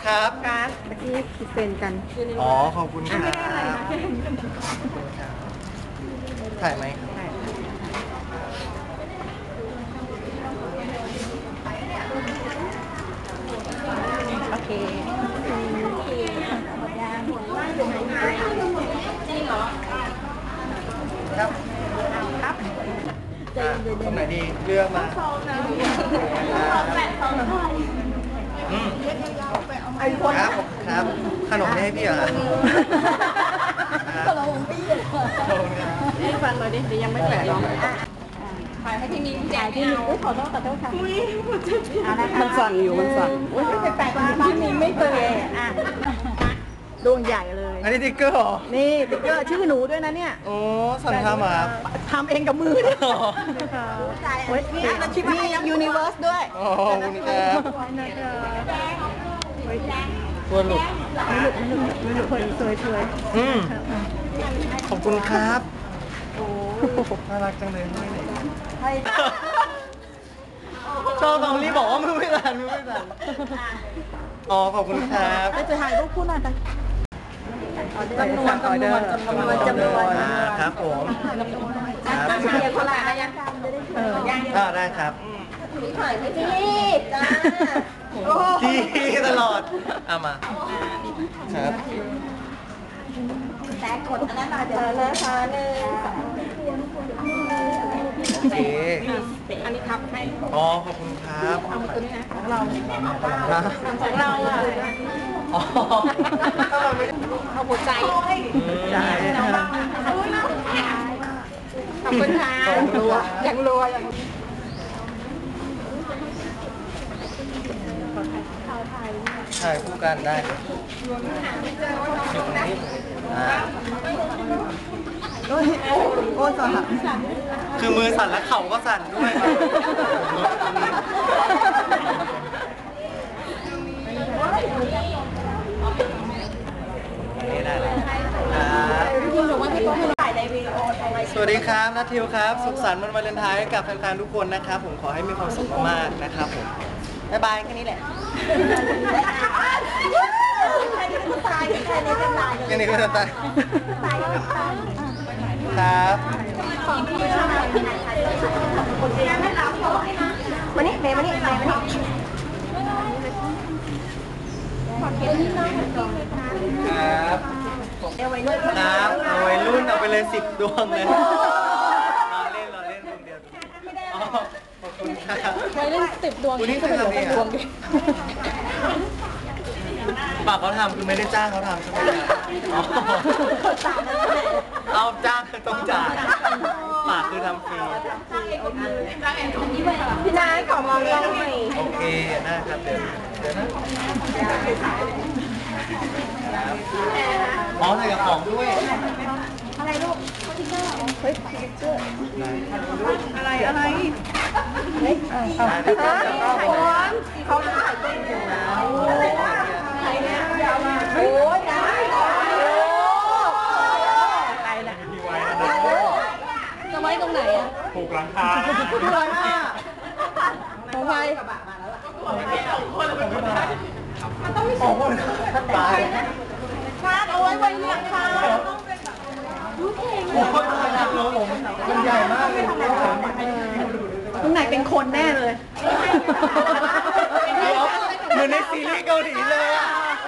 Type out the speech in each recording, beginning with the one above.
ครับการ์ดเมื่อกี้คิดเป็นกันอ๋อขอบคุณครับถ่ายไหมโอเคจริงเหรอครับครับตรงไหนดีเลือกมาครับครับขนมนี่ให้พี่เหรอขนมพี่ให้ฟังหน่อยดิเดี๋ยวยังไม่แปะลองถ่ายให้ที่มีแจกที่มีขอโทษค่ะมันสั่นอยู่มันสั่นไปแปะที่มีไม่เคยอ่ะดวงใหญ่เลยอันนี้ติ๊กเกอร์เหรอนี่ติ๊กเกอร์ชื่อหนูด้วยนะเนี่ยโอ้สั่นทำมาทำเองกับมือเนี่ยมียูนิเวิร์สด้วยโอ้คุณครับตัวหลุดสวยขอบคุณครับโอ้น่ารักจังเลยชอบตรงนี้บอกว่ามือไม่สั่นอ๋อขอบคุณครับจะถ่ายรูปคู่หน่อยกันจำนวนครับผมครับเรียนคนละอะไรยังได้ครับถ่ายให้จีจ้าที่ตลอดมาครับแต่กดอันนั้นหน่อยเดี๋ยวนะคะโอเคอันนี้ทับให้อ๋อขอบคุณครับเอาตัวนี้นะของเราอ่ะเอาหัวใจขอบคุณค่ะยังรัวถ่ายคู่กันได้โอ้สั่นคือมือสั่นและเข่าก็สั่นด้วยสวัสดีครับนัททิวครับสุขสันต์วันวาเลนไทน์กับแฟนๆทุกคนนะครับผมขอให้มีความสุขมากๆนะครับผมบ๊ายบายแค่นี้แหละแค่นี้ก็ตายครับมานี่เมย์มานี่ครับเอาวัยรุ่นเอาไปเลย10 ดวงเลยรอเล่นคนเดียวขอบคุณครับวัยรุ่น10 ดวงคุณนี่เคยทำเองปากเขาทำคือไม่ได้จ้างเขาทำใช่ไหมเอาจ้างคือต้องจ่ายปากคือทำฟรีพี่นายขอมองกล้องหน่อยโอเคนะครับเดี๋ยวนะอ๋อใส่กระป๋องด้วยอะไรลูกเฮ้ยอะไรเฮ้ยเขาถ่ายเป็นโอ้ยอะไรนะจะไว้ตรงไหนอ่ะผูกหลังคาของใครมันต้องมี2 คนตายฟาดเอาไว้หลังคามันใหญ่มากเลยตรงไหนเป็นคนแน่เลยเหมือนในซีรีส์เกาหลีเลยอ่ะ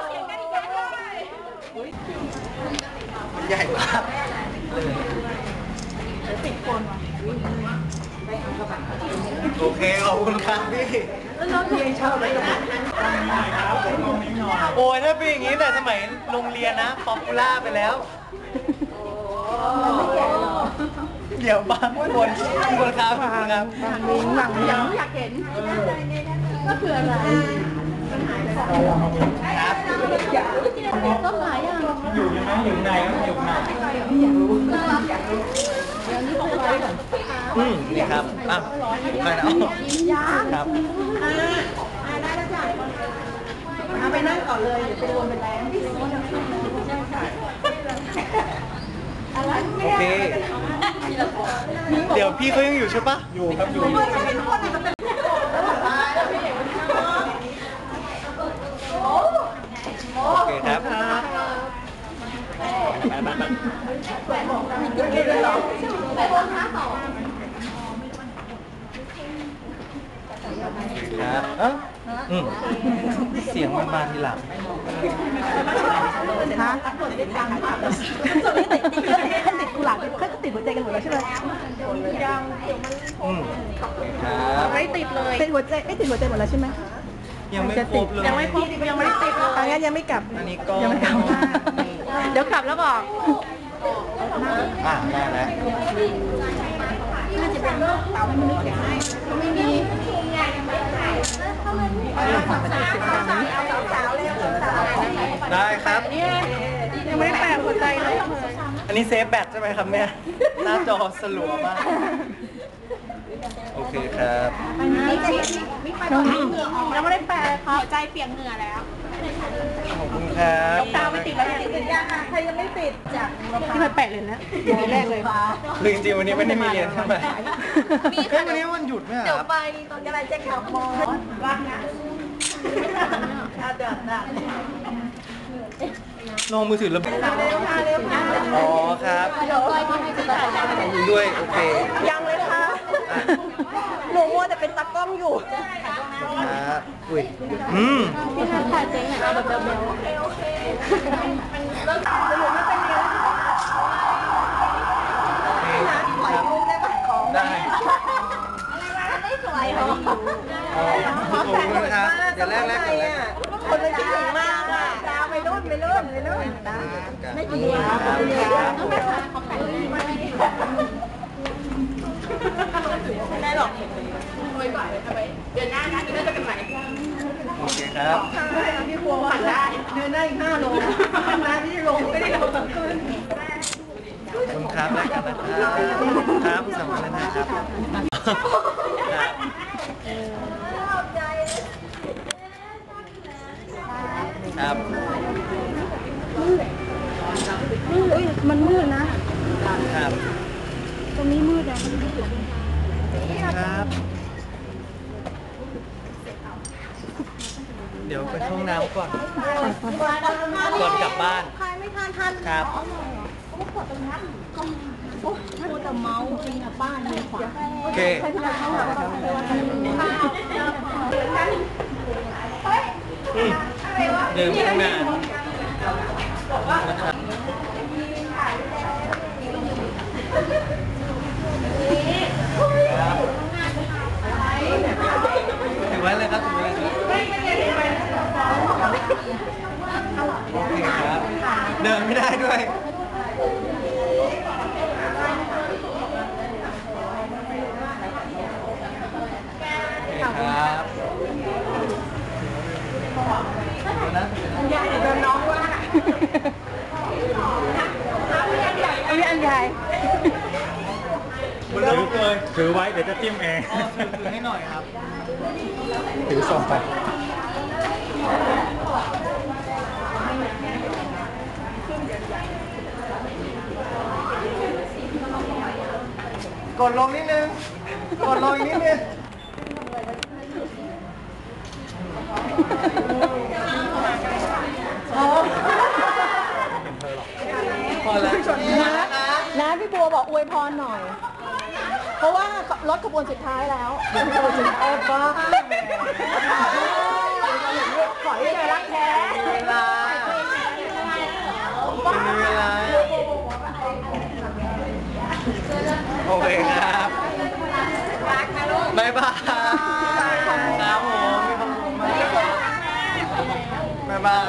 มันใหญ่มาก10 คนโอเคขอบคุณครับพี่โอ้ยถ้าเป็นอย่างนี้แต่สมัยโรงเรียนนะป๊อปปูล่าไปแล้วเดี๋ยวบางคนครับหลังอยากเห็นก็คืออะไรครับต้นไม้อ่ะอยู่ยังไงอยู่ไหนอยู่ไหนอยากรู้เดี๋ยวนี้บอกไปก่อนนี่ครับไปนะครับได้แล้วจ้ะเอาไปนั่งก่อนเลยเดี๋ยวไปรวมเป็นแรงโอเคเดี๋ยวพี่เขายังอยู่ใช่ปะอยู่ครับอยู่ครับเสียงมันมาทีหลังฮะติดกุหลาบเขาติดหัวใจกันหมดแล้วใช่ไหมครับไม่ติดเลยติดหัวใจไม่ติดหัวใจหมดแล้วใช่ไหมยังไม่ครบเลยยังไม่ครบยังไม่ได้ติดเลยงั้นยังไม่กลับอันนี้ก็ยังไม่กลับเดี๋ยวกลับแล้วบอกได้แล้วไม่มีได้ครับยังไม่ได้แปะหัวใจเลยอันนี้เซฟแบตใช่ไหมครับเนี่ยหน้าจอสลัวมากโอเคครับยังไม่ได้แปะหัวใจเปียกเหงื่อแล้วขอบคุณครับตาไม่ติดแล้วติดยังใครยังไม่ติดจากที่มาแปะเลยนะทีแรกเลยหรือจริงๆวันนี้ไม่ได้มีเรียนใช่ไหมวันนี้วันหยุดไหมครับเดี๋ยวไปตอนกำลังจะขับมอรักนะลงมือถือแล้วอ๋อครับด้วยโอเคยังเลยค่ะหนูมัวแต่เป็นตากล้องอยู่ครับอุ้ยพี่นัทถ่ายเจ๊งอ่ะเอาแบบเบลโอเคเริ่มต่อสรุปไม่เป็นไงถ่ายรูปได้ปะของได้ไม่สวยหรอขอบคุณครับเดี๋ยวแรกก่อนเลยคนมันคิดถึงมากอ่ะดาวไปรุ่นไม่ดีไม่ได้หรอกโอยบ่ายทำไมเดือนหน้านะเดือนหน้าจะเป็นไหนโอเคครับพี่ครัวผ่านได้เดือนหน้าอีก5 โลนะที่ลงไม่ได้ลงตั้งคืนขอบคุณครับแล้วกันนะครับครับสำคัญนะครับครับอุ้ยมันมืดนะครับตรงนี้มืดครับ เดี๋ยวไปห้องน้ำก่อนกลับบ้านไม่ทันครับโอ้แต่เมาจริงอะบ้านมีขวาโอเคเดินข้างหน้าถือไว้เลยครับถือไว้เลยโอเคครับเดินไม่ได้ด้วยครับเดินน้องว่าอันใหญ่ถือไว้เดี๋ยวจะจิ้มเองถือให้หน่อยครับถือส่งไปกดลงนิดนึงกดลงอีกนิดนึงพอแล้วนะพี่บัวบอกอวยพรหน่อยเพราะว่ารถขบวนสุดท้ายแล้วขบวนสุดท้ายก็ขอให้เจอรักแท้เวลามีเวลาโอเคครับบ๊ายบายครับผมมีความสุขมากบ๊ายบาย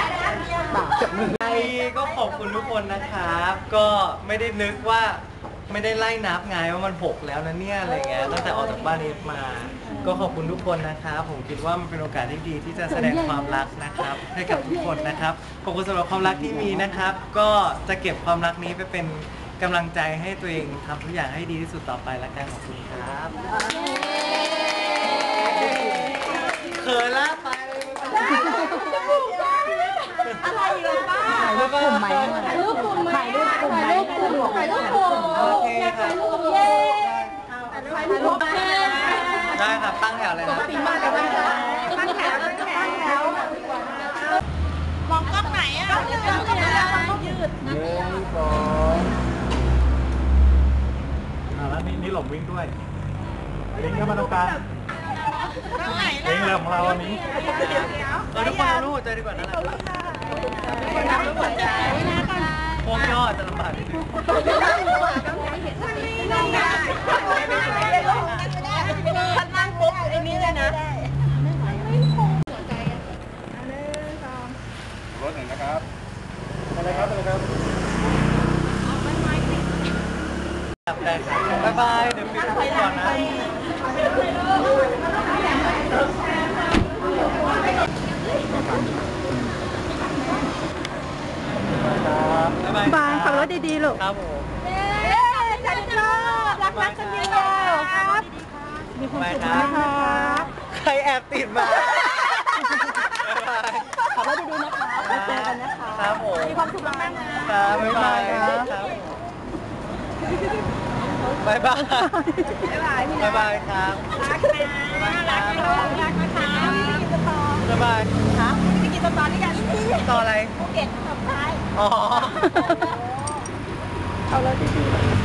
ก็ขอบคุณทุกคนนะครับก็ไม่ได้นึกว่าไม่ได้ไล่นับไงว่ามัน6แล้วนะเนี่ยอะไรเงี้ยตั้งแต่ออกจากบ้านนี้มาก็ขอบคุณทุกคนนะครับผมคิดว่ามันเป็นโอกาสที่ดีที่จะแสดงความรักนะครับให้กับทุกคนนะครับขอบคุณสำหรับความรักที่มีนะครับก็จะเก็บความรักนี้ไปเป็นกำลังใจให้ตัวเองทำทุกอย่างให้ดีที่สุดต่อไปละกันขอบคุณครับเขินละไปอะไรเลยป้าถ่ายรูปกลุ่มไหมถ่ายรูปกลุ่มถ่ายรูปกลุ่มโอเคค่ะเย้ถ่ายรูปได้ครับตั้งแถวเลยนะตั้งแถวมองกล้องไหนอ่ะกล้องยืดหลงวิ่งด้วยลิงก็มาตรงกลางลิงเรือของเราอันนี้ทุกคนรู้หัวใจดีกว่านั่นแหละพวกย่อจะลำบากนิดนึงนั่งปุ๊บไอ้นี่เลยนะรถหนึ่งนะครับอะไรครับอะไรครับได้ครับบ๊ายบายเดี๋ยวปิดก่อนนะบ๊ายบายบายขับรถดีๆลูกครับผมจันทร์รักนักกันเดียวครับมีความสุขนะครับใครแอบติดมาขับรถดีๆนะคะแล้วเจอกันนะคะครับผมมีความสุขมากๆนะครับบ๊ายบายครับบ๊ายบายบ๊ายบายครับรักนะรักนะรักนะคะบ๊ายบายฮะไม่กินสตอรี่กันที่ต่ออะไรภูเก็ตสุดท้ายอ๋อเอาเลยดีๆ